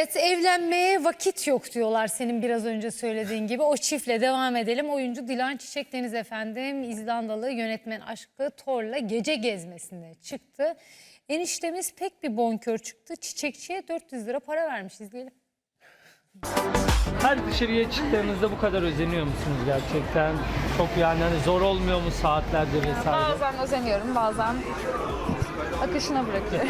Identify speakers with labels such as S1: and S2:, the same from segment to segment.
S1: Evet, evlenmeye vakit yok diyorlar senin biraz önce söylediğin gibi. O çiftle devam edelim. Oyuncu Dilan Çiçek Deniz efendim İzlandalı yönetmen aşkı Thor'la gece gezmesine çıktı. Eniştemiz pek bir bonkör çıktı. Çiçekçiye 400 lira para vermiş, izleyelim.
S2: Her dışarıya çıktığınızda bu kadar özeniyor musunuz gerçekten? Çok yani hani zor olmuyor mu saatlerce vesaire?
S3: Bazen özeniyorum, bazen akışına bırakıyorum.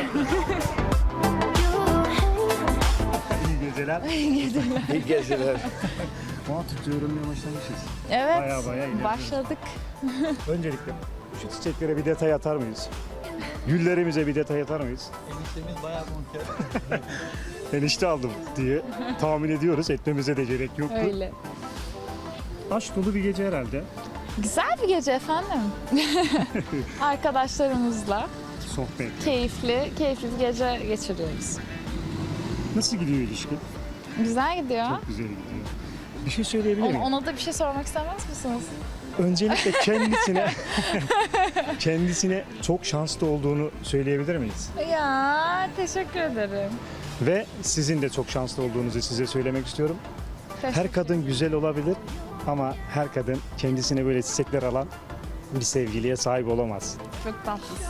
S4: İyi geceler.
S5: İyi geceler.
S4: Ama tutuyorum diye başlamışız.
S3: Evet,
S4: Baya ilerliyoruz.
S3: başladık.
S4: Öncelikle şu çiçeklere bir detay atar mıyız? Güllerimize bir detay atar mıyız?
S5: Eniştemiz bayağı bonker.
S4: Enişte aldım diye tahmin ediyoruz. Etmemize de gerek yoktu.
S3: Öyle.
S4: Aşk dolu bir gece herhalde.
S3: Güzel bir gece efendim. Arkadaşlarımızla
S4: Sohbet.
S3: keyifli bir gece geçiriyoruz.
S4: Nasıl gidiyor ilişki?
S3: Güzel gidiyor.
S4: Çok güzel gidiyor. Bir şey söyleyebilir miyim?
S3: Ona da bir şey sormak istemez misiniz?
S4: Öncelikle kendisine çok şanslı olduğunu söyleyebilir miyiz?
S3: Ya teşekkür ederim.
S4: Ve sizin de çok şanslı olduğunuzu size söylemek istiyorum. Her kadın güzel olabilir ama her kadın kendisine böyle çiçekler alan bir sevgiliye sahip olamaz.
S3: Çok tatlısınız.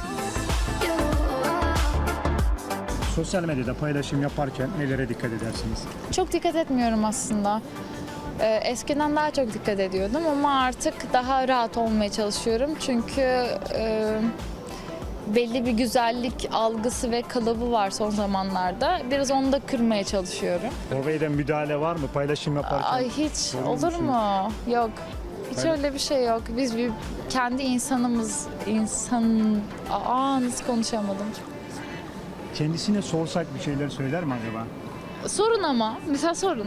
S4: Sosyal medyada paylaşım yaparken nelere dikkat edersiniz?
S3: Çok dikkat etmiyorum aslında. Eskiden daha çok dikkat ediyordum ama artık daha rahat olmaya çalışıyorum. Çünkü belli bir güzellik algısı ve kalıbı var son zamanlarda. Biraz onu da kırmaya çalışıyorum.
S4: Orvey'den müdahale var mı paylaşım yaparken?
S3: Ay hiç
S4: Olur
S3: olur
S4: musun?
S3: mu? Yok. Hiç öyle bir şey yok. Biz bir kendi insanımız, nasıl konuşamadım.
S4: Kendisine sorsak bir şeyler söyler mi acaba?
S3: Sorun ama. Mesela sorun.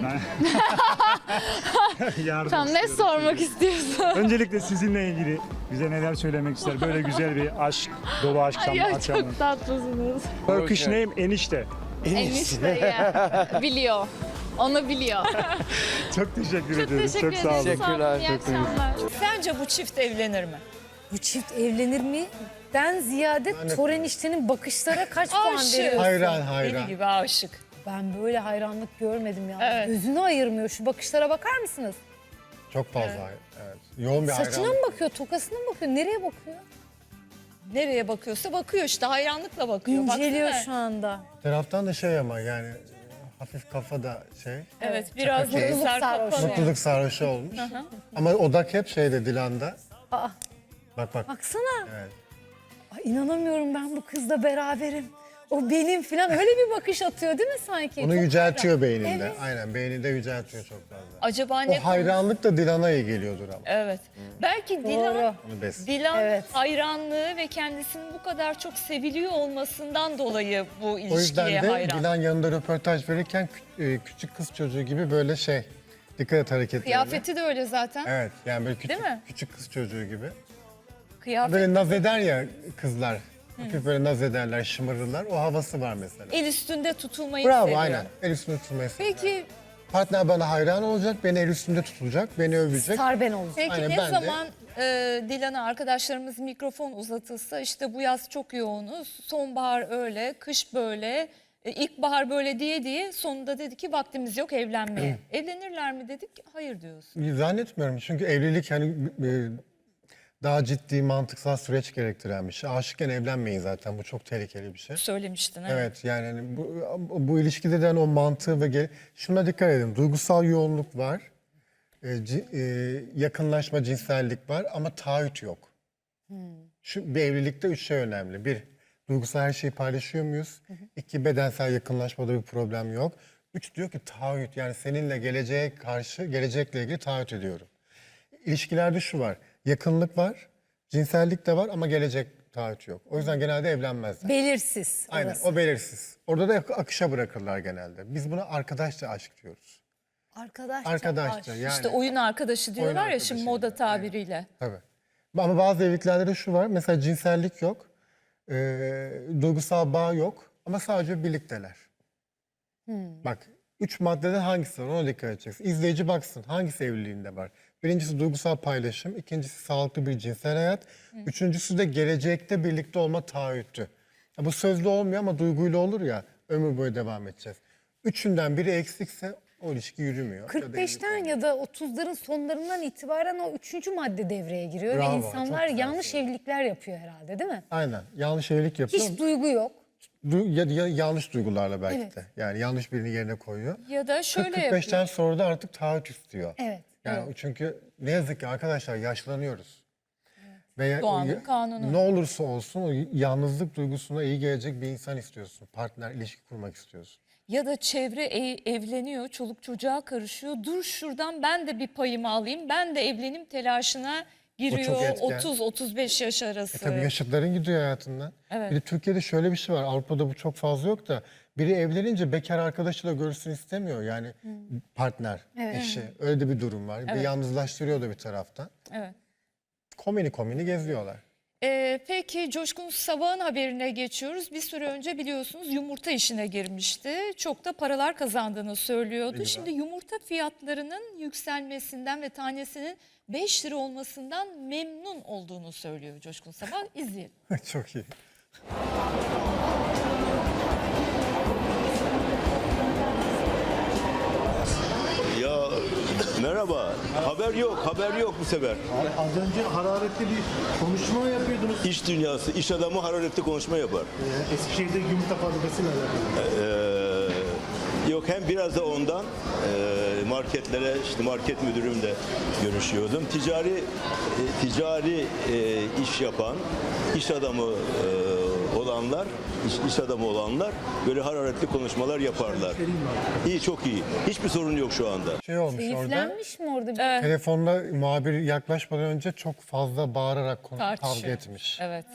S4: Yardım
S3: Tamam, ne
S4: istiyorum.
S3: sormak istiyorsun?
S4: Öncelikle sizinle ilgili bize neler söylemek ister? Böyle güzel bir aşk, dolu aşk
S3: Ya
S4: akşamı.
S3: çok tatlısınız.
S4: Turkish name enişte.
S3: Enişte ya. Biliyor. Onu biliyor.
S4: Çok teşekkür
S3: Çok
S4: ediyoruz.
S3: teşekkür
S4: Çok sağ olun.
S3: ederim. Sağ olun.
S5: Teşekkürler.
S3: İyi akşamlar.
S6: Sence bu çift evlenir mi?
S1: Bu çift evlenir mi? Den ziyade Thor eniştenin bakışlara kaç puan
S6: Aşık.
S1: veriyorsun?
S7: Hayran.
S6: Deli gibi aşık.
S1: Ben böyle hayranlık görmedim ya.
S6: Evet.
S1: Gözünü ayırmıyor. Şu bakışlara bakar mısınız?
S7: Çok fazla. Evet. Yoğun bir
S1: Saçına
S7: hayran.
S1: mı bakıyor, tokasına mı bakıyor? Nereye bakıyor?
S6: Nereye bakıyorsa bakıyor işte, hayranlıkla bakıyor.
S1: İnceliyor
S6: Baksana.
S1: şu anda.
S7: Bir taraftan da şey ama yani hafif kafada şey.
S6: Evet, biraz
S7: Çakı
S6: gözler
S1: sarhoşu.
S6: kapalı.
S7: Mutluluk sarhoşu olmuş. Ama odak hep şeyde Dilan'da.
S1: Aa.
S7: Bak.
S1: Baksana.
S7: Evet.
S1: Ay, inanamıyorum, ben bu kızla beraberim. O benim falan, öyle bir bakış atıyor değil mi sanki?
S7: Onu
S1: Çok
S7: yüceltiyor beyninde.
S1: Evet.
S7: Aynen beyninde yüceltiyor çok fazla.
S6: Acaba ne?
S7: O hayranlık da Dilan'a iyi geliyordur ama.
S6: Evet. Belki
S1: Doğru.
S7: Onu besliyor.
S6: Dilan
S1: Evet.
S6: hayranlığı ve kendisinin bu kadar çok seviliyor olmasından dolayı bu
S7: O yüzden
S6: ilişkiye
S7: de
S6: hayran.
S7: Dilan yanında röportaj verirken küçük kız çocuğu gibi böyle şey. Dikkat et hareketlerine.
S6: Kıyafeti de öyle zaten.
S7: Evet yani böyle
S6: Değil mi?
S7: küçük kız çocuğu gibi.
S6: Kıyafet.
S7: Böyle naz eder ya kızlar. Hafif böyle naz ederler, şımarırlar. O havası var mesela.
S6: El üstünde tutulmayı
S7: Bravo
S6: seviyor.
S7: aynen. El üstünde tutmayı seviyor.
S6: Peki,
S7: Partner bana hayran olacak, beni el üstünde tutulacak, beni övecek.
S1: Star ben olacağım.
S6: peki
S7: Aynen,
S6: ne
S7: ben de.
S6: zaman Dilan'a arkadaşlarımız mikrofon uzatılsa, işte bu yaz çok yoğunuz, sonbahar öyle, kış böyle, ilkbahar böyle diye sonunda dedi ki vaktimiz yok evlenmeye. Evlenirler mi dedik, hayır diyorsun.
S7: Zannetmiyorum çünkü evlilik hani daha ciddi, mantıksal süreç gerektiren bir şey. Aşıkken evlenmeyin zaten, bu çok tehlikeli bir şey.
S6: Söylemiştin.
S7: Evet yani hani bu ilişkide de hani o mantığı ve şuna dikkat edin. Duygusal yoğunluk var, yakınlaşma, cinsellik var ama taahhüt yok. Bir evlilikte 3 şey önemli. 1, duygusal her şeyi paylaşıyor muyuz? 2, bedensel yakınlaşmada bir problem yok. 3 diyor ki taahhüt, yani seninle geleceğe karşı, gelecekle ilgili taahhüt ediyorum. İlişkilerde şu var, yakınlık var, cinsellik de var ama gelecek taahhüt yok. O yüzden genelde evlenmezler.
S1: Belirsiz
S7: Aynen,
S1: orası.
S7: o belirsiz. Orada da akışa bırakırlar genelde. Biz buna arkadaşça aşk diyoruz. Arkadaşça yani.
S6: İşte oyun arkadaşı diyorlar ya
S7: arkadaşı
S6: şimdi
S7: gibi,
S6: moda tabiriyle.
S7: Tabii. Ama bazı evliliklerde de şu var. Mesela cinsellik yok. Duygusal bağ yok. Ama sadece birlikteler. Bak 3 maddeden hangisi var, ona dikkat edeceksin. İzleyici baksın hangisi evliliğinde var. Birincisi duygusal paylaşım. İkincisi sağlıklı bir cinsel hayat. Üçüncüsü de gelecekte birlikte olma taahhütü. Ya bu sözlü olmuyor ama duyguyla olur ya, ömür boyu devam edeceğiz. Üçünden biri eksikse o ilişki yürümüyor. Ya da evlilik
S1: 45'ten
S7: olmuyor.
S1: ya da 30'ların sonlarından itibaren o 3. madde devreye giriyor
S7: Bravo,
S1: ve
S7: çok
S1: insanlar
S7: güzel
S1: yanlış evlilikler yapıyor herhalde, değil mi?
S7: Aynen. Yanlış evlilik yapıyor.
S1: Hiç duygu yok.
S7: Ya yanlış duygularla belki
S1: Evet.
S7: de. Yani yanlış birini yerine koyuyor.
S6: Ya da şöyle
S7: 45'ten
S6: yapıyor.
S7: sonra da artık taahhüt istiyor.
S1: Evet.
S7: Yani çünkü ne yazık ki arkadaşlar yaşlanıyoruz. Ve
S6: Doğanın kanunu.
S7: ne olursa olsun o yalnızlık duygusuna iyi gelecek bir insan istiyorsun. Partner ilişki kurmak istiyorsun.
S6: Ya da çevre evleniyor, çoluk çocuğa karışıyor. Dur şuradan ben de bir payımı alayım, ben de evlenim telaşına giriyor
S7: etken.
S6: 30-35 yaş arası.
S7: Tabii yaşıtların gidiyor hayatından.
S6: Evet.
S7: Bir de Türkiye'de şöyle bir şey var. Avrupa'da bu çok fazla yok da biri evlenince bekar arkadaşıyla görüşsün istemiyor. Yani partner, eşi. Öyle de bir durum var. Bir
S6: Evet.
S7: yalnızlaştırıyor da bir taraftan.
S6: Evet.
S7: Komini geziyorlar.
S6: Peki Coşkun Sabah'ın haberine geçiyoruz. Bir süre önce biliyorsunuz yumurta işine girmişti. Çok da paralar kazandığını söylüyordu. Şimdi yumurta fiyatlarının yükselmesinden ve tanesinin 5 lira olmasından memnun olduğunu söylüyor Coşkun Sabah. İzleyelim.
S7: Çok iyi.
S8: Ya merhaba. Haber yok bu sefer.
S5: Az önce hararetli bir konuşma yapıyordunuz.
S8: İş dünyası, iş adamı hararetli konuşma yapar.
S5: Eskişehir'de yumurta fabrikasıyla alakalı.
S8: Yok hem biraz da ondan marketlere, işte market müdürümle görüşüyordum. Ticari iş yapan, iş adamı olanlar böyle hararetli konuşmalar yaparlar. İyi, çok iyi. Hiçbir sorun yok şu anda.
S7: Şey olmuş orada.
S1: Keyiflenmiş mi orada?
S7: Telefonda muhabir yaklaşmadan önce çok fazla bağırarak kavga
S6: Tartışıyor.
S7: etmiş.
S6: Evet.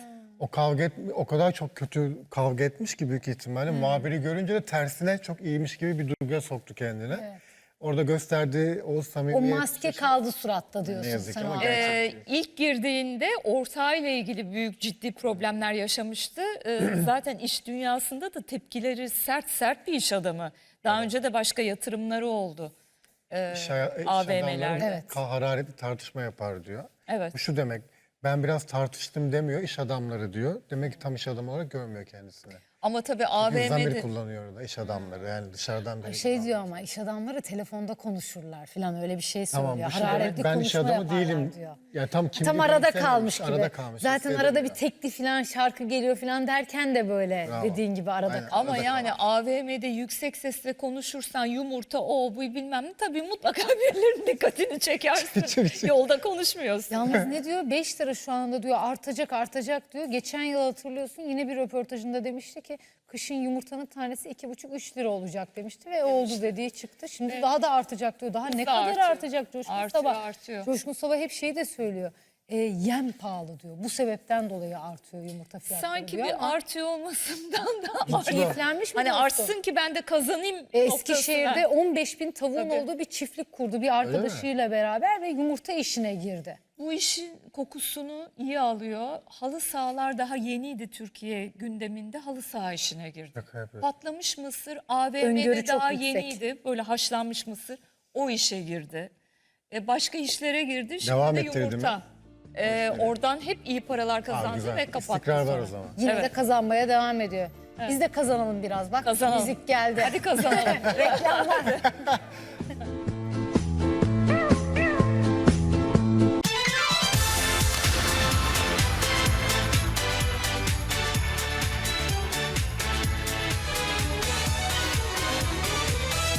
S7: O kadar çok kötü kavga etmiş ki büyük ihtimalle muhabiri görünce de tersine çok iyiymiş gibi bir duyguya soktu kendine. Orada gösterdiği o
S1: O
S7: samimiyet.
S1: maske kaldı suratta
S7: Ne
S1: diyorsun
S7: yazık
S1: sen
S7: ki
S1: o
S7: ama
S1: an.
S6: İlk girdiğinde ortağıyla ilgili büyük ciddi problemler yaşamıştı. Zaten iş dünyasında da tepkileri sert bir iş adamı. Daha önce de başka yatırımları oldu.
S7: iş
S6: AVM'lerde.
S7: adamları
S1: Evet.
S7: hararetli tartışma yapar diyor.
S6: Evet.
S7: Bu şu demek, ben biraz tartıştım demiyor, iş adamları diyor. Demek ki tam iş adamı olarak görmüyor kendisini.
S6: Ama tabii
S7: Zamir
S6: AVM'de
S7: kullanıyor orada iş adamları, yani dışarıdan biri.
S1: Şey diyor ama iş adamları telefonda konuşurlar falan, öyle bir şey söylüyor.
S7: Tamam, bu şu
S1: Hararetli
S7: demek, ben iş
S1: konuşma
S7: adamı
S1: yaparlar
S7: değilim.
S1: diyor.
S7: Yani tam kim
S1: Tam
S7: bilir
S1: arada
S7: istemiyorum.
S1: kalmış gibi.
S7: Arada kalmış,
S1: Zaten arada bir
S7: hissedemiyor.
S1: tekli falan şarkı geliyor falan derken de böyle
S7: Bravo.
S1: dediğin gibi arada
S7: Aynen.
S6: ama
S7: Arada
S6: yani
S7: kalmış.
S6: AVM'de yüksek sesle konuşursan yumurta o bu bilmem ne tabii mutlaka birilerinin dikkatini çekersin. Yolda konuşmuyorsun.
S1: Yalnız ne diyor? 5 lira şu anda diyor, artacak diyor. Geçen yıl hatırlıyorsun yine bir röportajında demişti ki kışın yumurtanın tanesi 2,5-3 lira olacak demişti ve oldu dediği çıktı. Şimdi daha da artacak diyor. Daha ne kadar
S6: artıyor.
S1: artacak Coşkun
S6: Artıyor,
S1: Sabah?
S6: artıyor.
S1: Coşkun Sabah hep şeyi de söylüyor. Yem pahalı diyor. Bu sebepten dolayı artıyor yumurta fiyatları
S6: Sanki
S1: diyor
S6: bir
S1: ama
S6: artıyor olmasından da
S1: keyiflenmiş mi?
S6: hani
S1: dostum?
S6: artsın ki ben de kazanayım
S1: Eskişehir'de
S6: noktasına.
S1: 15 bin tavuğun
S6: Tabii.
S1: olduğu bir çiftlik kurdu bir arkadaşıyla beraber ve yumurta işine girdi.
S6: Bu işin kokusunu iyi alıyor. Halı sahalar daha yeniydi Türkiye gündeminde. Halı saha işine girdi.
S7: Şaka yapıyorsun.
S6: Patlamış mısır
S1: Öngörü
S6: AVM'de
S1: çok
S6: daha
S1: yüksek.
S6: yeniydi. Böyle haşlanmış mısır o işe girdi. Başka işlere girdi. Şimdi
S7: Devam
S6: de
S7: ettirdi
S6: yumurta. Oradan hep iyi paralar kazandı
S7: güzel.
S6: ve kapattı
S7: İstikrar var
S6: sonra.
S7: o zaman.
S1: Yine
S6: Evet.
S1: de kazanmaya devam ediyor. Biz de kazanalım biraz bak.
S6: Kazanalım.
S1: Müzik geldi.
S6: Hadi kazanalım.
S1: Reklam var.